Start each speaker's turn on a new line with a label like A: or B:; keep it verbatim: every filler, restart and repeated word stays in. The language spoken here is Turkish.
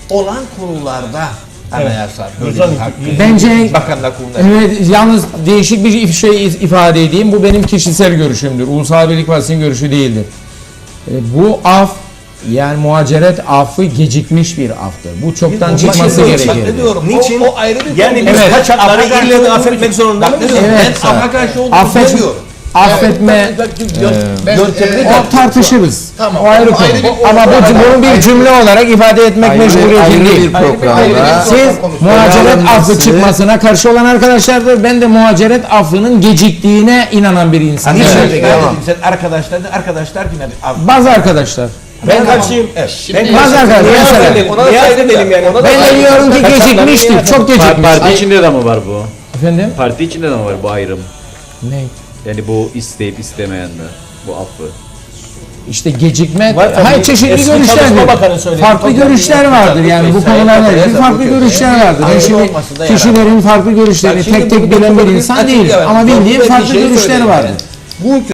A: olan konularda anayasa böyle
B: Evet.
A: bir hakkı.
C: Bence
A: Bakanlar Kurulu'na.
C: evet, yalnız değişik bir şey ifade edeyim. Bu benim kişisel görüşümdür. Ulusal Birlik Partisi'nin görüşü değildir. E, bu af, yani muhaceret affı gecikmiş bir aftır. Bu çoktan
A: Niçin?
C: çıkması
A: Bak
C: gerekir.
A: ne diyorum?
B: Niçin?
A: O, o ayrı bir
B: Yani
A: konu.
B: biz
C: Evet.
B: kaçakları
A: Affa
B: ille de
A: karşı
B: affetmek
A: olduğunu-
B: zorunda
A: Bak ne
B: mıyız?
A: diyorum?
C: Evet.
A: Ben Affa karşı olduğunu
C: Affet-
A: demiyorum.
C: Affetme
A: Bak,
C: e,
A: yöntemini
C: o tartışırız.
A: Tamam.
C: O ayrı
A: O
C: konu.
A: ayrı bir-
C: Ama bu
A: ayrı-
C: bunu bir
A: ayrı-
C: cümle olarak ifade etmek
D: Ayrı-
C: mecburiyeti
D: ayrı
C: değil.
D: bir programda
C: Siz muhaceret
D: Ele
C: affı
D: alınması-
C: çıkmasına karşı olan arkadaşlardır. Ben de muhaceret affının geciktiğine inanan bir insanım.
A: Niçin?
C: Evet.
A: Ben
D: Tamam.
A: dedim, sen arkadaşlar da arkadaşlar yine bir-
C: Bazı arkadaşlar.
B: Ben karşıyım.
A: Evet.
B: Ben
C: Bazı arkadaşlar.
B: Niye
C: Mesela,
B: affedelim?
A: Ona da
B: Niye
A: saygı
B: affedelim yani?
A: duyuyorum.
C: ben de diyorum ki gecikmiştir. Çok gecikmiş.
D: Parti içinde de mi var bu?
C: Efendim?
D: Parti içinde de mi var bu ayrım?
C: Ne?
D: Yani bu isteyip istemeyenler, bu affı.
C: İşte gecikme,
B: Var tabii.
C: hayır çeşitli
B: Eski
C: görüşler
B: Çalışma
C: var.
B: Bakanı söyledi.
C: Farklı
B: Tabii,
C: görüşler
B: tabii,
C: vardır
B: tabii,
C: yani bu
A: tabii,
C: konularla
A: tabii,
C: ilgili
A: tabii,
C: farklı
A: tabii.
C: görüşler
A: Yani
C: vardır. Ben
A: ayrı
C: şimdi
A: olmasında yarar.
C: kişilerin farklı görüşlerini
A: Bak şimdi
C: tek tek
A: bu- bu-
C: bilen
A: bu-
C: bir
A: bu-
C: insan
A: açık
C: değilim
A: yani.
C: ama
A: Doğru
C: bildiğim
A: bir
C: farklı
A: şey
C: görüşler
A: söyleyeyim
C: vardır.
A: yani. Bu